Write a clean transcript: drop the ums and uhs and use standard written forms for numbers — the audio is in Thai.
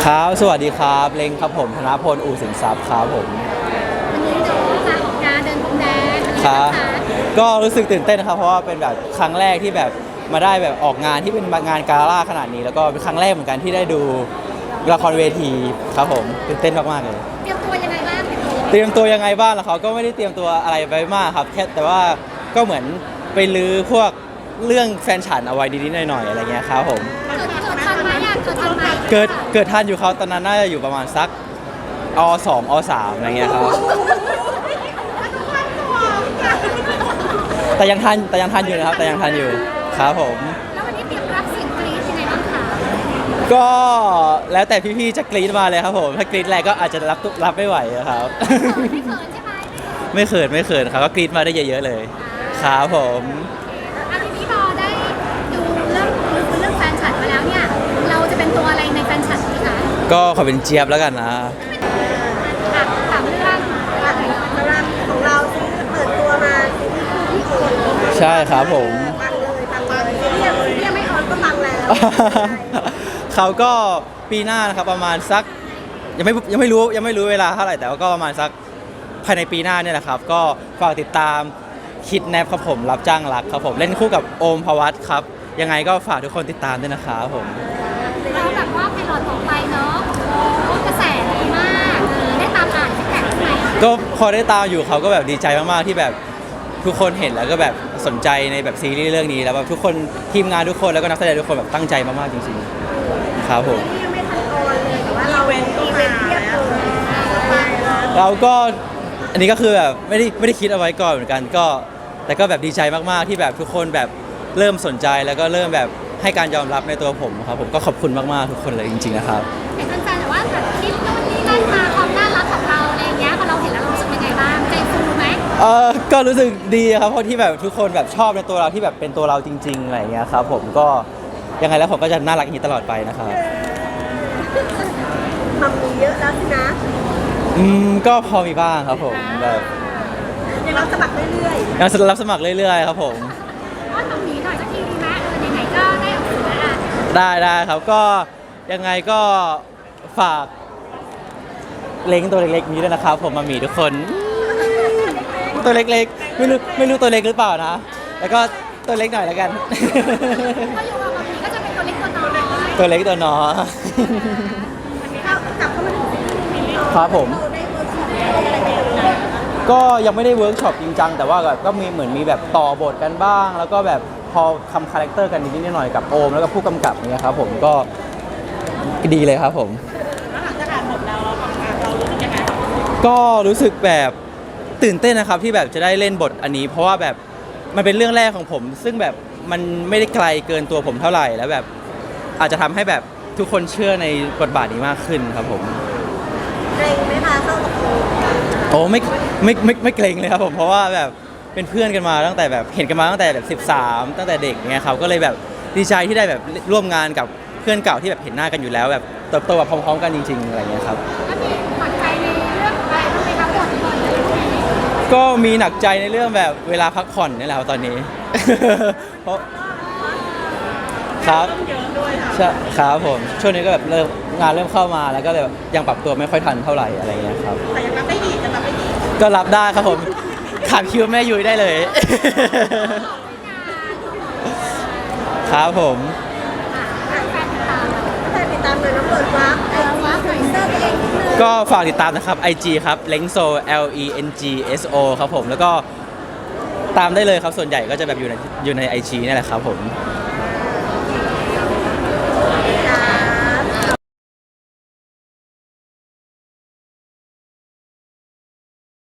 ครับสวัสดีครับเล้งครับผมธนพลอู่สินทรัพย์ครับผมวันนี้น้องมาออกงานเดินพรมแดงครับก็รู้สึกตื่นเต้นนะครับเพราะว่าเป็นแบบครั้งแรกที่แบบมาได้แบบออกงานที่เป็นงานกาล่าขนาดนี้แล้วก็เป็นครั้งแรกเหมือนกันที่ได้ดูละครเวทีครับผมตื่นเต้นมากๆเลยเตรียมตัวยังไงบ้างเตรียมตัวยังไงบ้างล่ะเขาก็ไม่ได้เตรียมตัวอะไรไปมากครับแค่แต่ว่าก็เหมือนไปลื้อพวกเรื่องแฟนฉันเอาไว้นิดๆหน่อยๆอะไรเงี้ยครับผมเกิดทันไหมเกิดทันไหมเกิดทันอยู่เขาตอนนั้นน่าจะอยู่ประมาณสักอ.2 อ.3 อะไรเงี้ยครับแต่ยังทันอยู่นะครับแต่ยังทันอยู่ครับผมแล้ววันนี้เตรียมรับเสียงกรี๊ดยังไงบ้างคะก็แล้วแต่พี่ๆจะกรี๊ดมาเลยครับผมถ้ากรี๊ดแรงก็อาจจะรับไม่ไหวครับไม่เขินใช่ไหมไม่เขินครับก็กรี๊ดมาได้เยอะๆเลยครับผมทีนี้พอได้ดูเรื่องแฟนฉันมาแล้วเนี่ยเราจะเป็นตัวอะไรในแฟนฉันดีคะก็ขอเป็นเจี๊ยบแล้วกันนะถามเรื่องสำหรับของเราที่เปิดตัวมาที่โอนใช่ครับผมปังเลยที่ยังไม่ออนก็ปังแล้วเขาก็ปีหน้านะครับประมาณสักยังไม่รู้เวลาเท่าไหร่แต่ว่าก็ประมาณสักภายในปีหน้าเนี่ยแหละครับก็ฝากติดตามคิดแนบครับผมรับจ้างรักครับผมเล่นคู่กับโอมภวัตครับยังไงก็ฝากทุกคนติดตามด้วยนะครับผมเราแบบว่าไพลอตออกไปเนาะกระแสดีมากได้ตามอ่านที่แท็กใช่ไหมก็พอได้ตามอยู่เขาก็แบบดีใจมากๆที่แบบทุกคนเห็นแล้วก็แบบสนใจในแบบซีรีส์เรื่องนี้แล้วแบบทุกคนทีมงานทุกคนแล้วก็นักแสดงทุกคนแบบตั้งใจมากๆจริงๆครับผมยังไม่ทันออนเลยแต่ว่าเราเว้นเทียบเลยเราก็อันนี้ก็คือแบบไม่ได้คิดเอาไว้ก่อนเหมือนกันก็แต่ก็แบบดีใจมากๆที่แบบทุกคนแบบเริ่มสนใจแล้วก็เริ่มแบบให้การยอมรับในตัวผมครับผมก็ขอบคุณมากๆทุกคนเลยจริงๆนะครับเห็นแฟนๆแต่ว่าแบบคลิปนู่นนี่นั่นมาความน่ารักของเราอะไรเงี้ยพอเราเห็นแล้วเรารู้สึกยังไงบ้างใจฟูไหมก็รู้สึกดีครับเพราะที่แบบทุกคนแบบชอบในตัวเราที่แบบเป็นตัวเราจริงๆอะไรเงี้ยครับผมก็ยังไงแล้วผมก็จะน่ารักอย่างนี้ตลอดไปนะครับทำมีเยอะแล้วสินะก็พอมีบ้างครับผมแบบยังรับสมัครเรื่อยๆยังรับสมัครเรื่อยๆครับผมว่าตรงนี้หน่อยสักทีดีไหมไหนๆก็ได้ออกสื่อแล้วได้ครับก็ยังไงก็ฝากเล้งตัวเล็กๆนี้ด้วยนะครับผมมามีทุกคนตัวเล็กๆไม่รู้ตัวเล็กหรือเปล่านะแล้วก็ตัวเล็กหน่อยแล้วกันก็อยู่กับมีก็จะเป็นตัวเล็กตัวน้อยตัวเล็กตัวน้อยกลับเข้ามาถึงครับผมก็ยังไม่ได้เวิร์กช็อปจริงจังแต่ว่าก็มีเหมือนมีแบบต่อบทกันบ้างแล้วก็แบบพอทำคาแรคเตอร์กันนิดๆหน่อยๆกับโอมแล้วก็ผู้กำกับเนี่ยครับผมก็ดีเลยครับผมแล้วหลังจากอ่านบทแล้วเราทำงานเรารู้สึกยังไงก็รู้สึกแบบตื่นเต้นนะครับที่แบบจะได้เล่นบทอันนี้เพราะว่าแบบมันเป็นเรื่องแรกของผมซึ่งแบบมันไม่ได้ไกลเกินตัวผมเท่าไหร่แล้วแบบอาจจะทำให้แบบทุกคนเชื่อในบทบาทนี้มากขึ้นครับผมเกรงไหมคะเข้ากับโอ้ไม่เกรงเลยครับผมเพราะว่าแบบเป็นเพื่อนกันมาตั้งแต่แบบเห็นกันมาตั้งแต่แบบ13ตั้งแต่เด็กเงี้ยครับก็เลยแบบดีใจที่ได้แบบร่วมงานกับเพื่อนเก่าที่แบบเห็นหน้ากันอยู่แล้วแบบเติบโตแบบพร้อมๆกันจริงๆอะไรเงี้ยครับแล้วมีหวังใจในเรื่องอะไรบ้างไหมครับบทก็มีหนักใจในเรื่องแบบเวลาพักผ่อนนี่แหละครับตอนนี้เพราะครับครับผมช่วงนี้ก็แบบงานเริ่มเข้ามาแล้วก็เลยยังปรับตัวไม่ค่อยทันเท่าไหร่อะไรเงี้ยครับแต่ยังรับได้อีกจะรับได้อีกก็รับได้ครับผมขาดคิวแม่ยุ้ยได้เลยครับผมติดตามเลยน้องเปิดวาร์ปก็ฝากติดตามนะครับ IG ครับ lengso LENGSO ครับผมแล้วก็ตามได้เลยครับส่วนใหญ่ก็จะแบบอยู่ใน IG นี่แหละครับผม